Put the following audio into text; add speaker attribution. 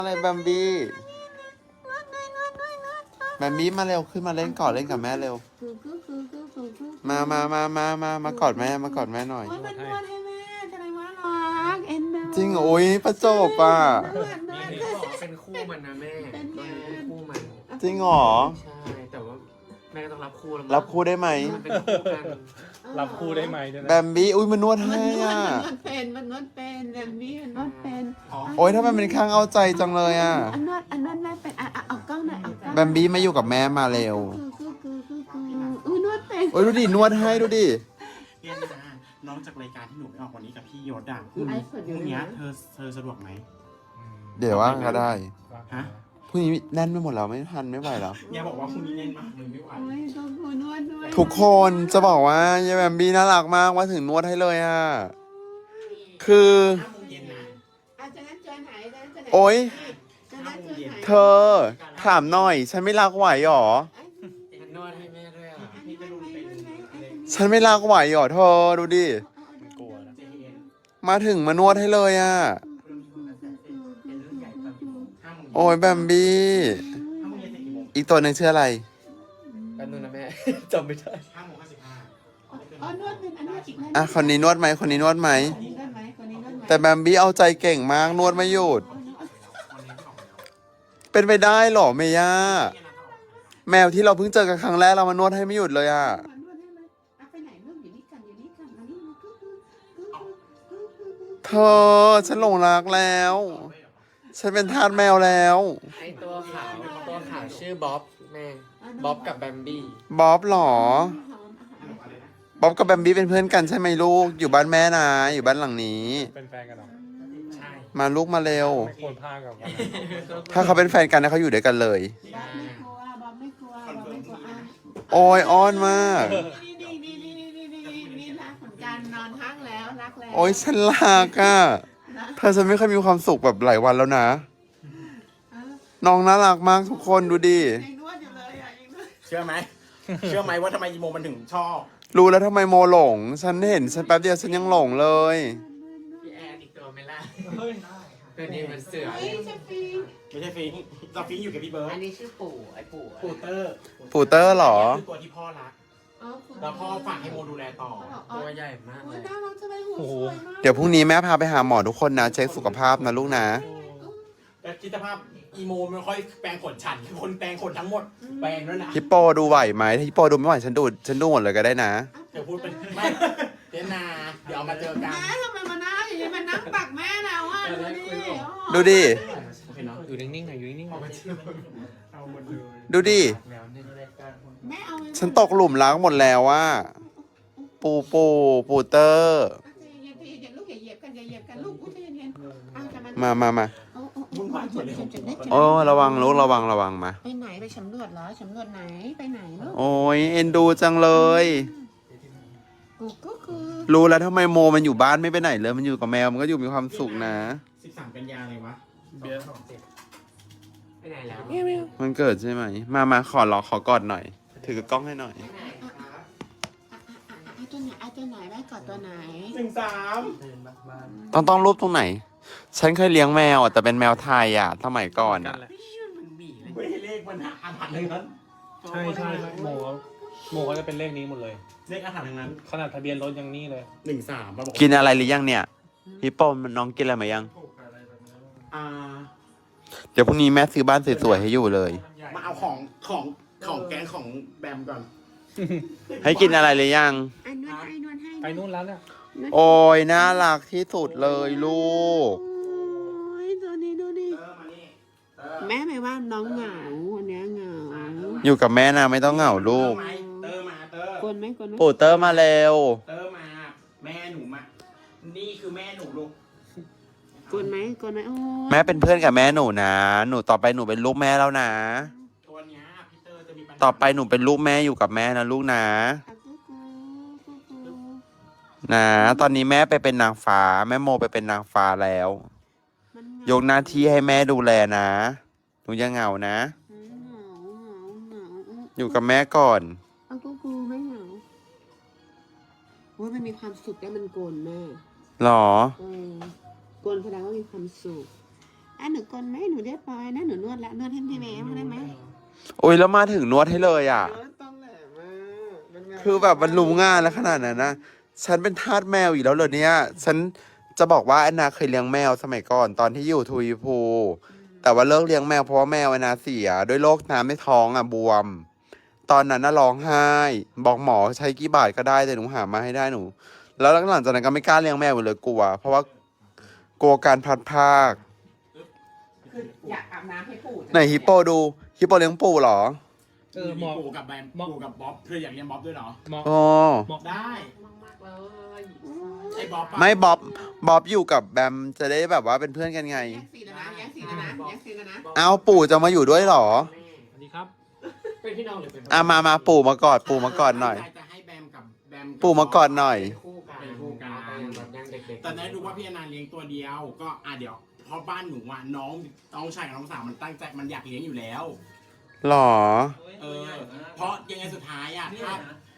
Speaker 1: อะไรแบมบี้แบมบี้มาเร็วขึ้นมาเล่นก่อนเล่นกับแม่เร็วมากอดแม่มากอดแม่หน่อย
Speaker 2: มันนวดให้แม่จะได้มารักเอ็นดู
Speaker 1: จริงโอ้ยประจบอ่ะ
Speaker 3: นี่บอกเป็นคู่มันนะแม่ตัวนี้เป็นคู่มัน
Speaker 1: จริงเหรอ
Speaker 3: ใช่แต่ว่าแม่ก็ต้องรับคู่แล้ว
Speaker 1: รับคู่ได้ไหม
Speaker 3: มันเป็นคู่กัน
Speaker 4: รับคู่ได้ไหมด้วยนะ
Speaker 1: แบมบี้อุ้ยมันนวดให้อ่ะ
Speaker 2: มันนวดเป็นแบบนี้มันนวดเป็น
Speaker 1: โอ้ยถ้ามันเป็นข้างเอาใจจังเลยอ่ะ
Speaker 2: อันนวดแม่เป็นเอากล้องหน่อยเอากล้อง
Speaker 1: แบมบี้มาอยู่กับแม่มาเร็ว
Speaker 2: อุ้ยนวดเป็น
Speaker 1: โอ้ยดูดินวดให้ดูดิ
Speaker 5: เนี่ยนะน้องจากรายการที่หนูไปออกวันนี้กับพี่ยศอ่ะพรุ่งนี้เธอสะดวกไหม
Speaker 1: เดี๋ยวว่างก็ได้
Speaker 5: ฮะ
Speaker 1: พรุ่งนี้แน่นไปหมดแล้วไม่ทันไม่ไหวแล้ว
Speaker 5: เนี่ยบอกว่าพรุ่งนี้เน้นมากเลยไม่ไหว
Speaker 2: โอ้ยต้องนวดด้วย
Speaker 1: ทุกคนจะบอกว่ายายแบมบี้น่ารักมากว่าถึงนวดให้เลยอ่ะคือ
Speaker 5: 5 โมงเย็นนะ
Speaker 2: อาจารย์เจอไหนอาจารย์เจอไหน
Speaker 1: โอ๊ย
Speaker 2: อาจารย์เจอไหน
Speaker 1: เธอถามหน่อยฉันไม่รักไหวหรอ
Speaker 3: มันนวดให้แม่ด้วยอ่ะ
Speaker 5: พี่จะดูเป็น
Speaker 1: ฉันไม่รักไหวหรอเธอดูดิ
Speaker 4: กลัวนะ
Speaker 5: เจเอ็น
Speaker 1: มาถึงมานวดให้เลยอ่ะ
Speaker 5: 5 โมง
Speaker 1: โอ้ยแบมบี้
Speaker 5: 5 โมงเย็นเสร็จกี่โมง
Speaker 1: อีกตัวหนึ่งชื่ออะไร
Speaker 3: แป๊บนึงนะแม่ จำไม่ได้
Speaker 5: 5 โมง 55
Speaker 2: อ๋อนวดเป็นอันนวดอีกแล้ว
Speaker 1: อ่ะคนนี้นวดไหมคนนี้นวดไหม
Speaker 2: คนนี้นวดไหมคนนี้นวดไหม
Speaker 1: แต่แบมบี้เอาใจเก่งมากนวดไม่หยุด เป็นไปได้เหรอเมย่าแมวที่เราเพิ่งเจอกันครั้งแรกเรามานวดให้ไม่หยุดเลยอ่ะ
Speaker 2: ไปไหนลูกอยู่นี่กันอยู่นี่กันมานี่มา
Speaker 1: เธอฉันหลงรักแล้ว ฉันเป็นทาสแมวแล้ว
Speaker 3: ไอตัวขาวชื่อบ๊อบแม่บ๊อบกับแบมบี้
Speaker 1: บ๊อบเหรอ บ๊อบกับแบมบี้เป็นเพื่อนกันใช่ไหมลูก อยู่บ้านแม่นะอยู่บ้านหลังนี้
Speaker 4: เป็นแฟนกันเหรอ
Speaker 5: ใช่
Speaker 1: มาลูกมาเร็ว
Speaker 4: ไม่ควรพากับกัน
Speaker 1: ถ้าเขาเป็นแฟนกันนะเขาอยู่ด้วยกันเลย
Speaker 2: บอมไม่กลัวบอมไม่กลัวอ่ะ
Speaker 1: โอ้ยอ้อนมาก
Speaker 2: นี่รักเหมือนกันนอนพักแล้วรักแล้ว
Speaker 1: โอ้ยฉันรักอ่ะเธอฉันไม่เคยมีความสุขแบบหลายวันแล้วนะ น้องน่ารักมากทุกคนดูดิ
Speaker 2: ยังนวดอยู่เลยอ่ะยังนวด
Speaker 5: เชื่อไหมว่าทำไมอีโมมันถึงชอบ
Speaker 1: รู้แล้วทำไมโมหลง ฉันเห็นฉันแป๊บเดียวฉันยังหลงเลย
Speaker 3: พี่แอนอีกตัวไม่ล่ะตัวนี้มันเสือ
Speaker 2: เฮ้ยจะปี
Speaker 5: ไม่ใช่ฟิงเราฟิงอยู่กับพี่เบิร์
Speaker 3: อั
Speaker 5: ด
Speaker 3: นนี้ชื่อปู่ไอปู่
Speaker 5: ปูเตอร์
Speaker 1: ปูเตอร์เหรอ
Speaker 5: คือตัวที่พ่อรักแล้วพ่อฝากให้โมดูแลต่อ
Speaker 3: ตัวใหญ่มากเล
Speaker 2: โอ้ย
Speaker 3: ย
Speaker 2: น่ารักจังเลยหูสวยมาก
Speaker 1: เดี๋ยวพรุ่งนี้แม่พาไปหาหมอทุกคนนะ เช็คสุขภาพนะลูกนะ
Speaker 5: แต่คิดสภาพอีโมไม่ค่อยแปรงขนฉันคนแปรงขนทั้งหมดแปรงด้วยนะ
Speaker 1: ฮิปโปดูไหวไหมถ้าฮิปโปดูไม่ไหวฉันดูหมดเลยก็ได้นะ
Speaker 5: เดี๋ยวพูดเป็นไม่เจนาเดี๋ยวเอามาเจอกัน
Speaker 2: แม่ทำไมมานั่งอย่างนี้มานั่งปักแม่แล้วอ่ะดูดิ
Speaker 1: ดูดิ
Speaker 5: โอเคเนาะ
Speaker 3: อยู่นิ่งๆหน่อยอยู่นิ่งๆหน่อย
Speaker 4: เอาหมดเลย
Speaker 1: ดูดิ
Speaker 3: แล้วเนี่ย
Speaker 2: แม่เอา
Speaker 1: ฉันตกหลุมรักหมดแล้วว่าปูเตอร์
Speaker 2: อย่าลูกอย่าเหยียบกันอย่าเหยียบกันลูกอุ้ยใจเย็นๆเอาจะ
Speaker 1: มา
Speaker 5: วุ่นวายหมดเลย
Speaker 1: โอ้ระวังลูกระวังมา
Speaker 2: ไปไหนไปสำรวจเหรอสำรวจไหนไปไหนลูก
Speaker 1: โอ้ยเอ็นดูจังเลย
Speaker 2: กูก็คือ
Speaker 1: รู้แล้วทำไมโมมันอยู่บ้านไม่ไปไหนเลยมันอยู่กับแมวมันก็อยู่มีความสุขนะ
Speaker 5: 13 กันยาเลยวะ
Speaker 4: เบียร์
Speaker 3: ไปไหนแล้ว
Speaker 1: มันเกิดใช่ไหมมาขอกอดหน่อย ถือกล้องให้หน่อย
Speaker 2: เอาตัวไหนเอาตัวไหนแม่กอดตัวไหน
Speaker 5: 13
Speaker 1: ต้องรูปตรงไหน ฉันเคยเลี้ยงแมวอะแต่เป็นแมวไทยอ่ะสมัยก่อนอ่ะ
Speaker 3: มันบีเลย
Speaker 5: ไม่ให้เลขมันอาถรรพ์ทั้งนั้น
Speaker 4: ใช่โมเขาจะเป็นเลขนี้หมดเลย
Speaker 5: เลขอาถรรพ์ทั้งนั้น
Speaker 4: ขนาดทะเบียนรถยังนี่เลย
Speaker 5: 13มาบอก
Speaker 1: กินอะไรหรือยังเนี่ยพี่โป้มันน้องกินอะไรมายัง
Speaker 5: อ่า
Speaker 1: เดี๋ยวพรุ่งนี้แม่ซื้อบ้านสวยๆให้อยู่เลย
Speaker 5: มาเอาของแกงของแบมก่อน
Speaker 1: ให้กินอะไรหรือยัง
Speaker 2: ไอ้นวดให้นวดให้
Speaker 4: ไปนู่นแล้วเนี่ย
Speaker 1: โอ้ยน่ารักที่สุดเลยลูก
Speaker 2: โอ้ยตัวนี้ดูดิ
Speaker 5: มานี่
Speaker 2: แม่ไม่ว่าน้องเหงาวันนี้เหงา
Speaker 1: อยู่กับแม่นะไม่ต้องเหงาลูก
Speaker 5: เตอร์มาเตอร์
Speaker 2: กวนไหมกวนไหม
Speaker 1: ปูเตอร์มาเร็ว
Speaker 5: เตอร์มา แม่หนูมา นี่คือแม่หนูลูก
Speaker 2: กวนไหมกวนไหมโอ้ย
Speaker 1: แม่เป็นเพื่อนกับแม่หนูนะหนูต่อไปหนูเป็นลูกแม่แล้วนะ
Speaker 5: ตัวเนี้ยพี่เตอร์จะมีปัญหา
Speaker 1: ต่อไปหนูเป็นลูกแม่อยู่กับแม่นะลูกนะ
Speaker 2: อ่ะกูกู
Speaker 1: นะตอนนี้แม่ไปเป็นนางฟ้า แม่โมไปเป็นนางฟ้าแล้ว
Speaker 2: มัน
Speaker 1: ยกหน้าที่ให้แม่ดูแลนะหนูอย่าเหงานะ
Speaker 2: เหงา
Speaker 1: อยู่กับแม่ก่อน
Speaker 2: เอากูไม่เหงาโอ้ยมันมีความสุขได้มันโกนแม่
Speaker 1: หรอ
Speaker 2: โกนแสดงว่ามีความสุขหนูกลไหมหนูเรียบร้อยนะหนูนวดละนวดให้พี่แม่ได้ไหม
Speaker 1: โอ้ยแล้วมาถึงนวดให้เลยอ่ะ
Speaker 3: ต้องแหลมมากเป็นไง
Speaker 1: คือแบบมันรู้งานแล้วขนาดนั้นนะ ฉันเป็นทาสแมวอีกแล้วเหรอเนี่ย ฉันจะบอกว่าแอนนาเคยเลี้ยงแมวสมัยก่อนตอนที่อยู่ทวีภูแต่ว่าเลิกเลี้ยงแมวเพราะว่าแมวแอนนาเสียด้วยโรคน้ำในท้องอ่ะบวม ตอนนั้นน่ะร้องไห้ บอกหมอใช้กี่บาทก็ได้แต่หนูหามาให้ได้หนู แล้วหลังจากนั้นก็ไม่กล้าเลี้ยงแมวอีกเลยกลัว เพราะว่ากลัวการพลัดพราก
Speaker 2: คืออยากอาบน้ำให้ปู่
Speaker 1: ไหนฮิปโปดูฮิปโปเลี้ยงปูเหรอ
Speaker 5: มีปู่กับแบมปู่กับบ๊อบเธออยากเรียนบ๊อบด้วยเหรอ
Speaker 4: เหมาะ
Speaker 1: อ๋อ
Speaker 5: ได้
Speaker 2: มากๆเลย
Speaker 5: ไอ้บ๊อบอะ
Speaker 1: ไม่บ๊อบอยู่กับแบมจะได้แบบว่าเป็นเพื่อนกันไง
Speaker 2: แยกสีแล้วนะแยกสีแล้วนะแยกสีแล้วนะ
Speaker 1: เอาปู่จะมาอยู่ด้วยเหรอ
Speaker 3: แม่
Speaker 4: สวัสดีครับ
Speaker 3: เป็นพี่น้องหรือเป็น
Speaker 1: มาปู่มากอดปู่มากอดหน่อย
Speaker 5: จะให้แบมกับแบม
Speaker 1: ปู่มากอดหน่อย
Speaker 3: เป็นคู่กัน
Speaker 5: เป็นคู่กัน
Speaker 3: แบบยังเด็กๆ
Speaker 5: แต่ได้รู้ว่าพี่อนันต์เลี้ยงตัวเดียวก็เดี๋ยวเพราะบ้านหนูอ่ะน้องชายกับน้องสาวมันตั้งใจมันอยากเลี้ยงอยู่แล้ว
Speaker 1: หรอ
Speaker 5: เพราะยังไงสุดท้ายอ่ะ